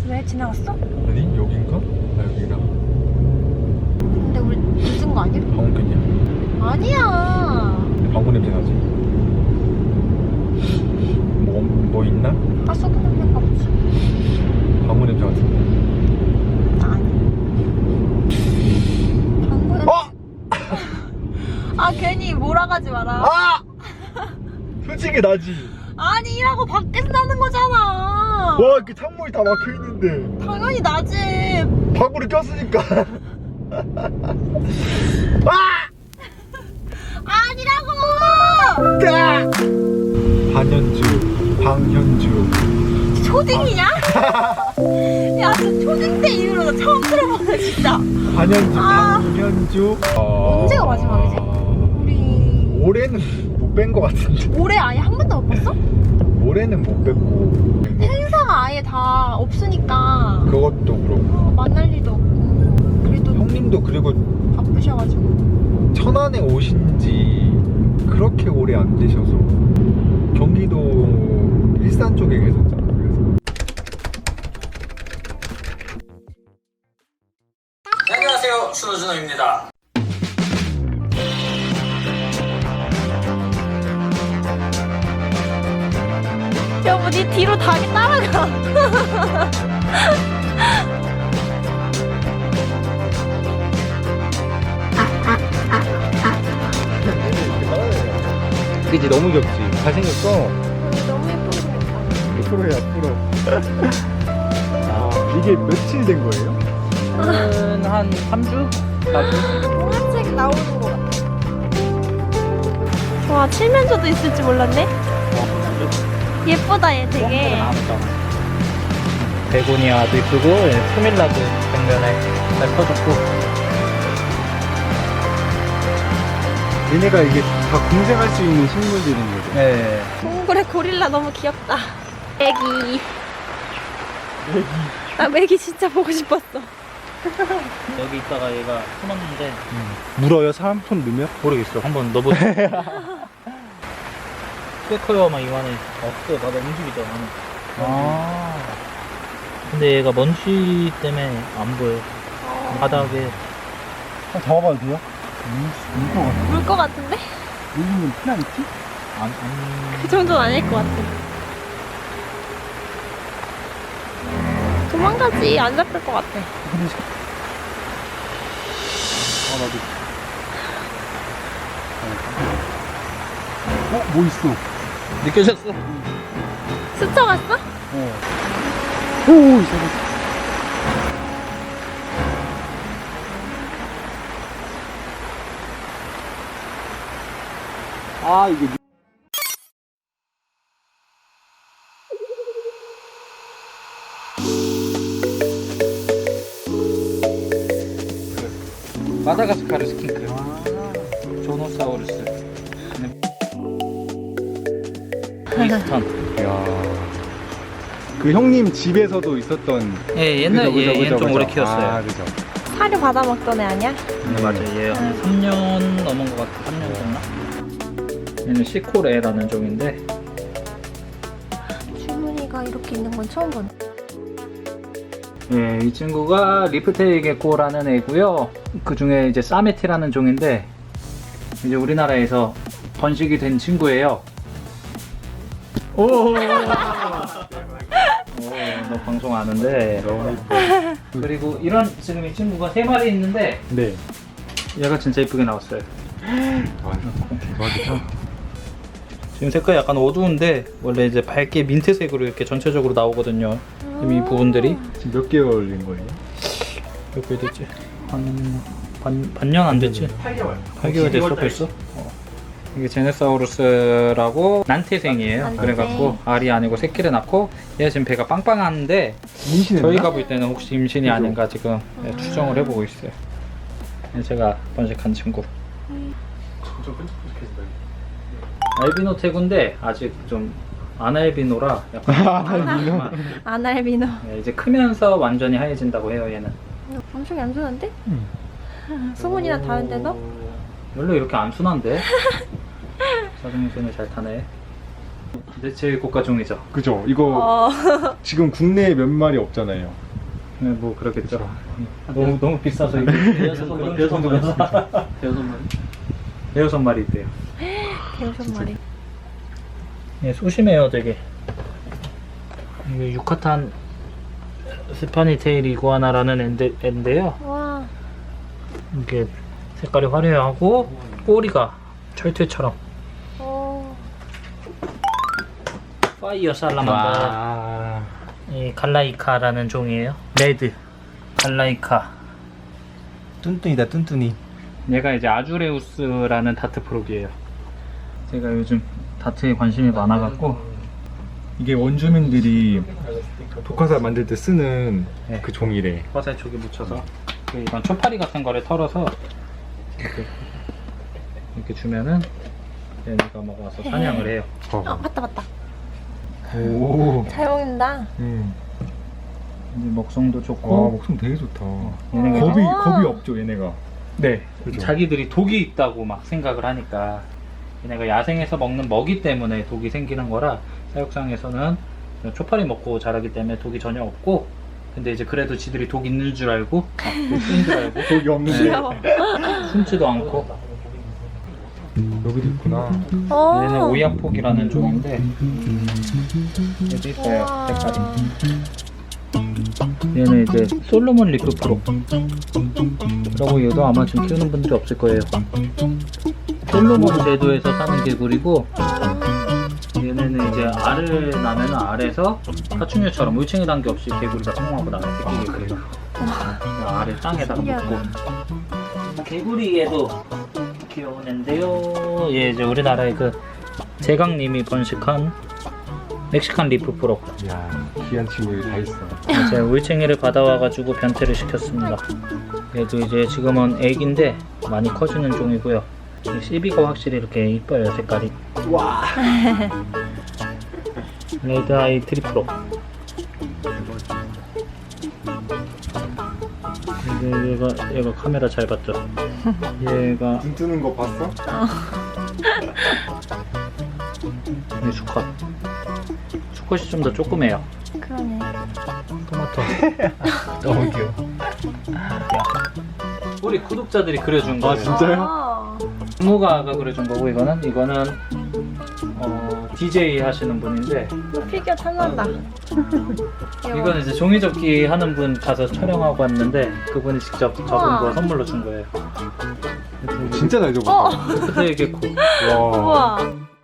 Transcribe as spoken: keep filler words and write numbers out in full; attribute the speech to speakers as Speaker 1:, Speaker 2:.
Speaker 1: 왜 지나갔어?
Speaker 2: 아니 여긴가? 아 여기라.
Speaker 1: 근데 우리 늦은 거 아니야?
Speaker 2: 방금이야.
Speaker 1: 아니야.
Speaker 2: 방구 냄새 나지? 뭐, 뭐 있나?
Speaker 1: 아 소금 냄새가 없지.
Speaker 2: 방구 냄새 같은데.
Speaker 1: 나 아니야. 방구 냄새.
Speaker 2: 어!
Speaker 1: 아 괜히 몰아가지 마라.
Speaker 2: 아! 솔직히 나지.
Speaker 1: 아니라고 밖에서 나는 거잖아.
Speaker 2: 와 이렇게 창문이 다 막혀 있는데.
Speaker 1: 당연히 나지.
Speaker 2: 방구를 꼈으니까. 아!
Speaker 1: 아니라고.
Speaker 2: 까! 반현주, 방현주.
Speaker 1: 초딩이냐? 야, 저 초딩 때 이후로 나 처음 들어보네 진짜.
Speaker 2: 반현주,
Speaker 1: 아.
Speaker 2: 방현주.
Speaker 1: 언제가 마지막이지? 우리
Speaker 2: 올해는 못 뺀 거 같은데.
Speaker 1: 올해 아예 한 번도 못 봤어?
Speaker 2: 올해는 못 뺐고.
Speaker 1: 행사가 아예 다 없으니까
Speaker 2: 그것도 그렇고.
Speaker 1: 어, 만날 일도 없고. 그래도
Speaker 2: 형님도 그리고
Speaker 1: 바쁘셔가지고.
Speaker 2: 천안에 오신 지 그렇게 오래 안 되셔서 경기도 일산 쪽에 계셨잖아. 그래서
Speaker 3: 네, 안녕하세요. 준호준호입니다.
Speaker 1: 여보, 니 뒤로 닭이 따라가.
Speaker 2: 그치 너무 귀엽지? 잘생겼어.
Speaker 1: 너무 예쁘게 생겼다.
Speaker 2: 프로야 프로. 아 이게 며칠 된 거예요?
Speaker 3: 저는 한 삼 주? 사 주?
Speaker 1: 동화책 나오는 거 같아. 와, 칠면조도 있을 줄 몰랐네. 예쁘다, 얘 되게.
Speaker 3: 베고니아도 이쁘고, 포밀라도 벽면에 잘 퍼졌고.
Speaker 2: 얘네가 이게 다 공생할 수 있는 식물들인 거죠?
Speaker 3: 네.
Speaker 1: 동굴의 고릴라 너무 귀엽다. 애기. 나 애기 진짜 보고 싶었어.
Speaker 3: 여기 있다가 얘가 숨었는데,
Speaker 2: 물어요? 사람 손 넣으면?
Speaker 3: 모르겠어. 한번 넣어보자. 꽤 커요, 막 이만해. 없어, 나도 움직이잖아. 나는.
Speaker 2: 아
Speaker 3: 근데 얘가 먼지 때문에 안 보여. 바닥에.
Speaker 2: 잡아봐도 돼요? 음, 물것 같아.
Speaker 1: 물 것 같은데?
Speaker 2: 물리면 피나 있지?
Speaker 3: 안, 안.
Speaker 1: 그 정도는 아닐 것 같아. 도망가지. 안 잡힐 것 같아.
Speaker 2: 아 나도. 어? 뭐 있어?
Speaker 3: 느껴졌어?
Speaker 1: 스쳐갔어?
Speaker 2: 어. 오, 저거. 아, 이게.
Speaker 3: 마다가스카르 스킨크. 조노사우루스. 윈스턴.
Speaker 2: 이야. 그 형님 집에서도 있었던.
Speaker 3: 예, 옛날에
Speaker 2: 그죠,
Speaker 3: 얘,
Speaker 2: 그죠,
Speaker 3: 얘는
Speaker 2: 그죠,
Speaker 3: 좀 오래
Speaker 2: 그죠.
Speaker 3: 키웠어요.
Speaker 2: 아, 그죠.
Speaker 1: 사료 받아 먹던 애 아니야?
Speaker 3: 네, 맞아요. 얘 한 삼 년 넘은 것 같아. 삼 년 됐나? 얘는 시코레라는 종인데
Speaker 1: 줄무늬가 이렇게 있는 건 처음 보네.
Speaker 3: 예, 이 친구가 리프테일 게코라는 애고요. 그 중에 이제 사메티라는 종인데 이제 우리나라에서 번식이 된 친구예요. 오, 오, 너 방송 아는데.
Speaker 2: 너무 이뻐.
Speaker 3: 그리고 이런 지금 이 친구가 세 마리 있는데
Speaker 2: 네.
Speaker 3: 얘가 진짜 이쁘게 나왔어요.
Speaker 2: 아, 대박이다.
Speaker 3: 지금 색깔이 약간 어두운데 원래 이제 밝게 민트색으로 이렇게 전체적으로 나오거든요. 지금 이 부분들이
Speaker 2: 지금 몇 개월인 거예요?
Speaker 3: 몇 개월 됐지? 한 반, 반년 안 됐지?
Speaker 2: 팔 개월.
Speaker 3: 팔 개월 됐어 벌써? 어. 이게 제네사우루스라고 난태생이에요.
Speaker 1: 난태생.
Speaker 3: 그래갖고 알이 아니고 새끼를 낳고 얘가 지금 배가 빵빵한데
Speaker 2: 임신했나?
Speaker 3: 저희가 볼 때는 혹시 임신이
Speaker 2: 그죠?
Speaker 3: 아닌가 지금 네, 추정을 해보고 있어요. 네, 제가 번식한 친구.
Speaker 2: 좀 끈적끈적해진다.
Speaker 3: 알비노 태구인데 아직 좀 아날비노라 약간
Speaker 1: 아날비노.
Speaker 3: 네, 이제 크면서 완전히 하얘진다고 해요 얘는.
Speaker 1: 엄청 얌전한데?
Speaker 2: 응.
Speaker 1: 소문이나 다른데도?
Speaker 3: 원래 이렇게 안 순한데? 자동순을 잘 타네. 이제 제일 고가 종이죠.
Speaker 2: 그죠? 이거
Speaker 1: 어.
Speaker 2: 지금 국내에 몇 마리 없잖아요.
Speaker 3: 네, 뭐 그렇겠죠. 너무 너무 비싸서 이게 대여섯 마리, 대여섯 마리, 대여섯 마리, 대여섯 마리 있대요.
Speaker 1: 대여섯 마리.
Speaker 3: 예, 소심해요, 되게. 이게 유카탄 스파니테일 이구아나라는 앤데, 앤데요.
Speaker 1: 와.
Speaker 3: 이게 색깔이 화려하고 꼬리가 철퇴처럼.
Speaker 1: 오.
Speaker 3: 파이어 살라만다.
Speaker 2: 와.
Speaker 3: 이 갈라이카라는 종이에요. 레드 갈라이카.
Speaker 2: 뚠뚠이다 뚠뚠이.
Speaker 3: 얘가 이제 아주레우스라는 다트 프록이에요. 제가 요즘 다트에 관심이 많아갖고
Speaker 2: 이게 원주민들이 독화사 만들 때 쓰는
Speaker 3: 네.
Speaker 2: 그 종이래.
Speaker 3: 화살 쪽에 묻혀서 이런 초파리 같은 거를 털어서 이렇게, 이렇게 주면은 얘네가 먹어서 사냥을 해요.
Speaker 1: 어, 맞다, 맞다.
Speaker 2: 오.
Speaker 1: 잘 먹는다.
Speaker 2: 음.
Speaker 3: 이제 먹성도
Speaker 2: 와
Speaker 3: 좋고
Speaker 2: 목숨 되게 좋다.
Speaker 3: 얘네가
Speaker 2: 겁이
Speaker 1: 와.
Speaker 2: 겁이 없죠 얘네가.
Speaker 3: 네,
Speaker 2: 그죠.
Speaker 3: 자기들이 독이 있다고 막 생각을 하니까 얘네가 야생에서 먹는 먹이 때문에 독이 생기는 거라 사육상에서는 초파리 먹고 자라기 때문에 독이 전혀 없고 근데 이제 그래도 지들이 독 있는 줄 알고 독인 줄 알고
Speaker 2: 독이 없는데.
Speaker 1: 귀여워.
Speaker 3: 숨지도 않고
Speaker 2: 여기도 있구나.
Speaker 1: 어.
Speaker 3: 얘는 오야폭이라는 종인데 여기 있어요
Speaker 1: 우와.
Speaker 3: 색깔이. 얘는 이제 솔로몬 리프 프로 라고 얘도 아마 지금 키우는 분들이 없을 거예요. 솔로몬 제도에서 사는 개구리고 얘네는 이제 알을 낳으면 알에서 파충류처럼 물챙이 단계 없이 개구리가 성공하고 나와요. 새끼 개구리가 알을 땅에다가
Speaker 1: 신기하다.
Speaker 3: 묻고. 개구리 얘도 귀여운 앤데요. 얘 이제 우리나라의 그 제강님이 번식한 멕시칸 리프 프로.
Speaker 2: 이야 귀한 친구들이 다 있어.
Speaker 3: 제가 울챙이를 받아와가지고 변태를 시켰습니다. 얘도 이제 지금은 애기인데 많이 커지는 종이고요. 이 씨비가 확실히 이렇게 이뻐요 색깔이.
Speaker 2: 와.
Speaker 3: 레드 아이 트리프로. 얘- 얘가 얘가 카메라 잘 봤죠? 얘가
Speaker 2: 눈 뜨는 거 봤어?
Speaker 3: 얘 수컷. 수컷이 좀 더 조그매요.
Speaker 1: 그러네.
Speaker 3: 토마토.
Speaker 2: 너무 귀여워.
Speaker 3: 우리 구독자들이 그려준 거예요.
Speaker 2: 아, 진짜요?
Speaker 1: 아.
Speaker 3: 무가가 그려준 거고 이거는 이거는 어, 디제이 하시는 분인데
Speaker 1: 피규어 탐난다.
Speaker 3: 이거는 이제 종이접기 하는 분 가서 촬영하고 왔는데 그분이 직접 접은
Speaker 1: 우와.
Speaker 3: 거 선물로 준 거예요.
Speaker 2: 진짜 잘
Speaker 1: 어.
Speaker 2: 적었다.
Speaker 3: 그때 개코.
Speaker 2: 와.
Speaker 1: 우와.